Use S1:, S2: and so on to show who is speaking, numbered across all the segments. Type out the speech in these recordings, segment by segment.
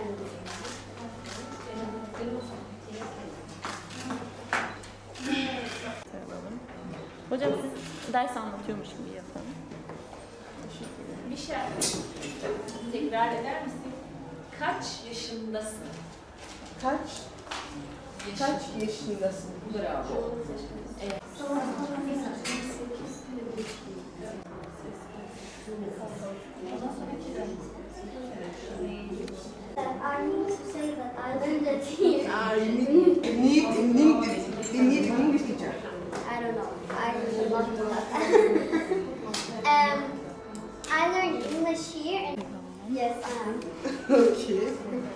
S1: Hocam siz ders anlatıyormuş gibi yapalım.
S2: Michel, tekrar eder misin? Kaç yaşındasın?
S3: Kaç yaşındasın?
S2: Bravo. Evet.
S4: I need to say that I learned it here.
S3: You need an English teacher.
S4: I don't know. I really love that. I learned English here. And yes, I am.
S3: Okay.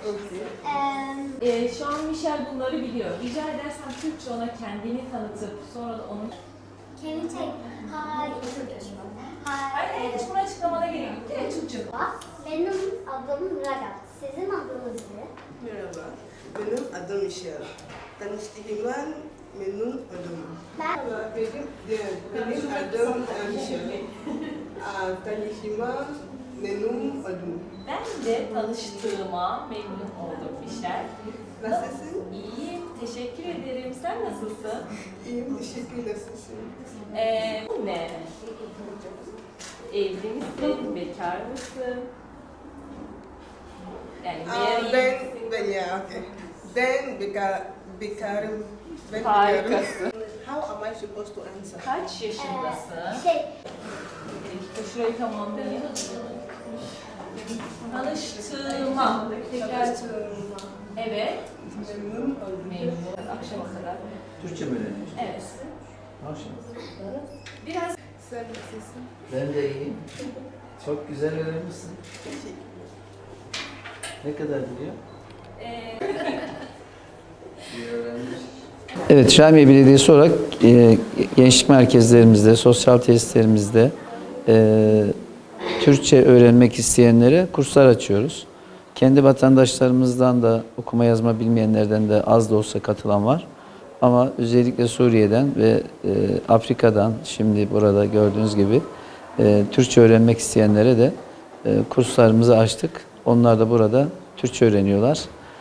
S2: Şu an Michel bunları biliyor. Rica edersen Türkçe ona kendini tanıtıp sonra da onun...
S4: Can you take hi in Turkish?
S2: Hayır, hiç bunu açıklamana gerek yok. Direkt Türkçe.
S4: Benim adım Ragat. Sizin adınız ne?
S3: Merhaba. Benim adım Michel. Tanıştığıma memnun oldum. Merhaba. Benim adım Michel. Tanıştığıma memnun oldum.
S2: Ben de tanıştığıma memnun oldum Michel.
S3: Nasılsın?
S2: İyiyim, teşekkür ederim. Sen nasılsın?
S3: İyiyim, teşekkür nasılsın?
S2: Bu ne? Evli misin? Bekar mısın? Yani
S3: Ben bekarım.
S2: Harikasın.
S3: How am I supposed to answer?
S2: Kaç yaşındasın? Şurayı tamamlayayım. Tanıştığıma. Tekrar. Evet.
S3: Memnun oldum.
S2: Memnun. Akşama kadar.
S5: Türkçe mi öğreniyorsun?
S2: Evet.
S5: Maşallah.
S2: Biraz
S3: Sen nasılsın?
S5: Ben de iyiyim. Çok güzel öğrenmişsin. Ne kadar biliyor? İyi öğrenmiş. Evet, Şahmiye Belediyesi olarak gençlik merkezlerimizde, sosyal tesislerimizde Türkçe öğrenmek isteyenlere kurslar açıyoruz. Kendi vatandaşlarımızdan da okuma yazma bilmeyenlerden de az da olsa katılan var. Ama özellikle Suriye'den ve Afrika'dan şimdi burada gördüğünüz gibi Türkçe öğrenmek isteyenlere de kurslarımızı açtık. Onlar da burada Türkçe öğreniyorlar.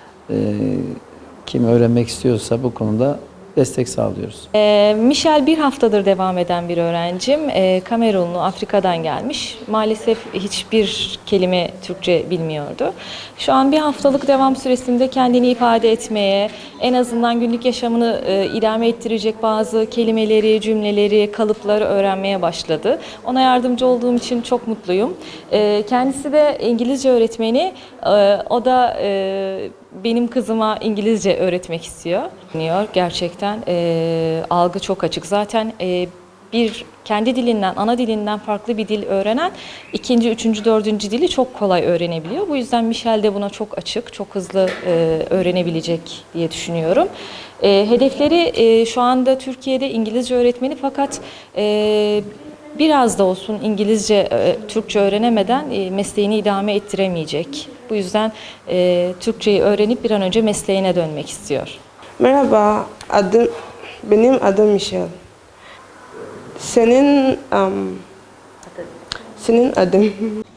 S5: Kim öğrenmek istiyorsa bu konuda destek sağlıyoruz.
S6: Michel bir haftadır devam eden bir öğrencim. Kamerunlu, Afrika'dan gelmiş. Maalesef hiçbir kelime Türkçe bilmiyordu. Şu an bir haftalık devam süresinde kendini ifade etmeye, en azından günlük yaşamını idame ettirecek bazı kelimeleri, cümleleri, kalıpları öğrenmeye başladı. Ona yardımcı olduğum için çok mutluyum. Kendisi de İngilizce öğretmeni. O da benim kızıma İngilizce öğretmek istiyor. Gerçekten algı çok açık. Zaten bir kendi dilinden, ana dilinden farklı bir dil öğrenen ikinci, üçüncü, dördüncü dili çok kolay öğrenebiliyor. Bu yüzden Michel de buna çok açık, çok hızlı öğrenebilecek diye düşünüyorum. Hedefleri şu anda Türkiye'de İngilizce öğretmeni fakat biraz da olsun İngilizce, Türkçe öğrenemeden mesleğini idame ettiremeyecek. Bu yüzden Türkçeyi öğrenip bir an önce mesleğine dönmek istiyor.
S7: Merhaba, benim adım Michel. Senin adın?